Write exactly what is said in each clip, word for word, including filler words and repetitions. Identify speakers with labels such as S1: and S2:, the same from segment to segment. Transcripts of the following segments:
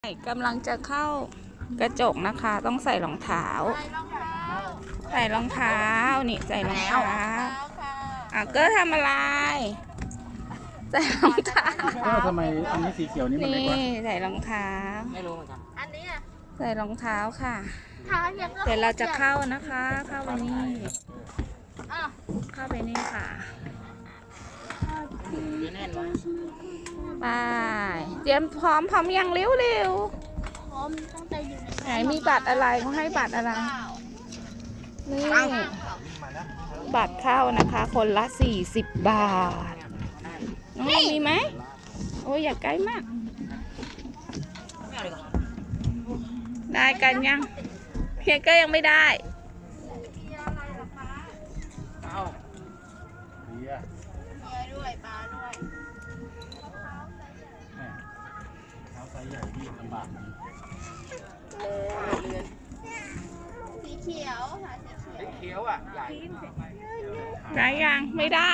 S1: กำลังจะเข้ากระจกนะคะต้องใส่รองเท้าใส่รองเท้านี่ใส่รองเท้าอ่ะก็ทำอะไรใส่รองเท้า
S2: ก็ทำไมอันนี้สีเขียวนี่มันเล็กวะ
S1: นี่ใส่รองเท้า
S3: ไม่รู้เหมือนกัน
S4: อันนี้อ่ะ
S1: ใส่รองเท้าค่ะ
S4: เท้ายังก็
S1: เดี๋ยวเราจะเข้านะคะ เข้าไปนี่
S4: อ่ะ
S1: เข้าไปนี่ค่ะ
S3: แน่นวะ
S1: ไปเตรียมพร้อมพร้อมยังเร็วเร็ว
S4: พร้อมตั้งใจอยู่ใน
S1: ไหนมีบัตรอะไรเขาให้บัตรอะไรนี่บัตรเข้านะคะ คนละสี่สิบบาทน้องมีไหมโอ้ยอย่าใกล้มาก
S3: ไม่เอาเลยก่อน
S1: ได้กันยังเพียงก็ยังไม่ได้
S3: เอา
S2: เบียร์
S4: เรือด้วยปลาด้วย
S2: แม่เท้าไซส์ใหญ่นี่ลำบากดี
S4: สีเขียวค่ะสีเขียว
S3: เขียวอ่ะใหญ่
S1: ได้ยังไม่ได้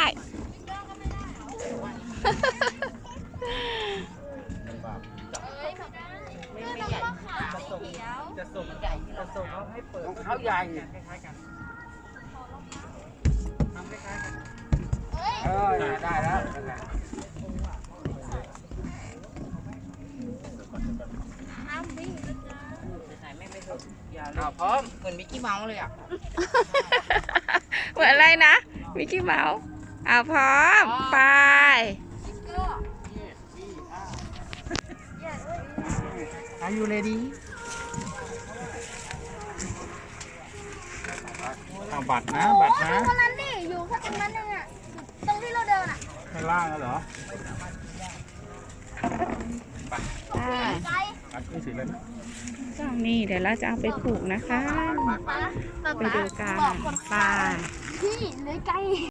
S2: ลำบาก
S4: เอ้ยแบบนั้น
S3: ไม่ไม่ใหญ่
S4: สีเขียว
S3: จะส่งใหญ่ที่เราส่งเขาให้เปิดของเขาใหญ่คล้ายๆกันทำคล้ายๆกัน
S4: เอ้ย
S3: เออได้แล้วนั่นแหละ
S4: ห้ามวิ่งนะจ๊ะ
S3: ใส่ไม่ไม่ถูกอย่าเอาพร้อมเหมือนมิกกี้เมาส์เลยอ่ะ
S1: เหมือนอะไรนะมิกกี้เมาส์อ่ะพร้อมไป
S3: Are you ready
S2: เอาบัตรนะบัตรนะ
S4: คนนั้นดิอยู่ข้างตรงนั้นเองอ่ะตรงที่เราเดินอ่ะ
S2: ข้างล่างแล้วเหรอ
S1: ไป
S4: ไกล
S2: อันนี้สีอะไรนะ
S1: ก็นี่เดี๋ยวเราจะเอาไปผูกนะคะ
S4: ปะ
S1: ไปดูกัน
S4: บอกคน
S1: ไป
S4: พี่เลยไกล